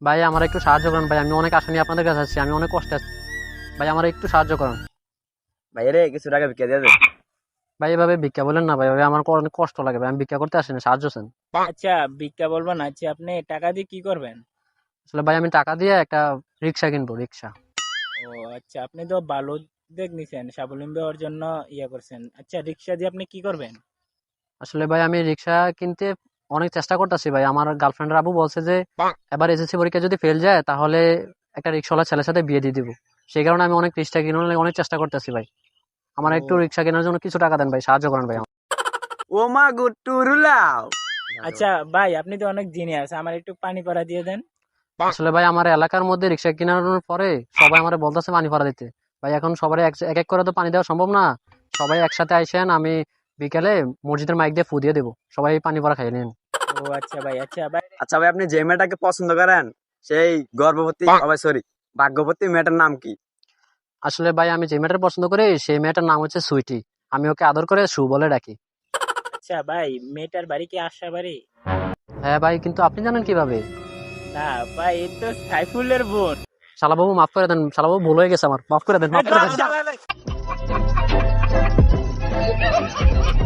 ভাই আমার একটু সাহায্য করুন ভাই, আমি অনেক আশা নিয়ে আপনাদের কাছে আছি, আমি অনেক কষ্টে আছি ভাই, আমার একটু সাহায্য করুন ভাই রে কিছু টাকা বিক্রি দিয়ে দে। ভাই। এভাবে ভিক্ষা বলেন না ভাই, ভাই আমার অনেক কষ্ট লাগে ভাই, আমি ভিক্ষা করতে আসিনি, সাহায্য চান। আচ্ছা, ভিক্ষা বলবো না, আচ্ছা আপনি টাকা দিয়ে কি করবেন? আসলে ভাই আমি টাকা দিয়ে একটা রিক্সা কিনবো, রিক্সা। ও আচ্ছা, আপনি তো ভালো উদ্যোগ নিছেন, স্বাবলম্বী হওয়ার জন্য ইয়ে করছেন। আচ্ছা, রিক্সা দিয়ে আপনি কি করবেন? আসলে ভাই আমি রিক্সা কিনতে অনেক চেষ্টা করতেছি ভাই, আমার গার্লফ্রেন্ডের আবু বলছে যে এবার এসএসসি পরীক্ষা যদি ফেল যায় তাহলে একটা রিক্সাওয়ালা ছেলের সাথে বিয়ে দিয়ে দিব। সেই কারণে আমি অনেক রিক্সা কিনার লাগি অনেক চেষ্টা করতেছি ভাই, আমার একটু ও রিক্সা কেনার জন্য কিছু টাকা দেন ভাই, সাহায্য করেন ভাই। ও মা গুট্টু রুলাও। আচ্ছা ভাই, আপনি তো অনেক জিনিয়াস, আমার একটু পানি পড়া দিয়ে দেন। আসলে ভাই আমার এলাকার মধ্যে রিক্সা কেনার পরে সবাই আমার বলতেছে পানি ভরা দিতে ভাই, এখন সবাই এক এক এক করে তো পানি দেওয়া সম্ভব না, সবাই একসাথে আইসেন, আমি বিকেলে মসজিদের মাইক দিয়ে ফু দিয়ে দেবো, সবাই পানি ভরা খাই নিন। ও আচ্ছা ভাই, আচ্ছা ভাই। আচ্ছা ভাই, আপনি যে মেয়েটাকে পছন্দ করেন সেই গর্ভবতী সরি ভাগ্যবতী মেয়েটার নাম কি? আসলে ভাই আমি যে মেয়েটার পছন্দ করি সেই মেয়েটার নাম হচ্ছে সুইটি, আমি ওকে আদর করে সু বলে ডাকি। আচ্ছা ভাই, মেয়েটার বাড়ি কি আশা বাড়ি? হ্যাঁ ভাই, কিন্তু আপনি জানেন কিভাবে? না ভাই, এই তো সাইফুলের বোন। শালাবাবু মাফ করে দেন, শালাবাবু ভুল হয়ে গেছে আমার, মাফ করে দেন, এই মাফ করে দাঁড়া, দেন। দাঁড়া, দাঁড়া।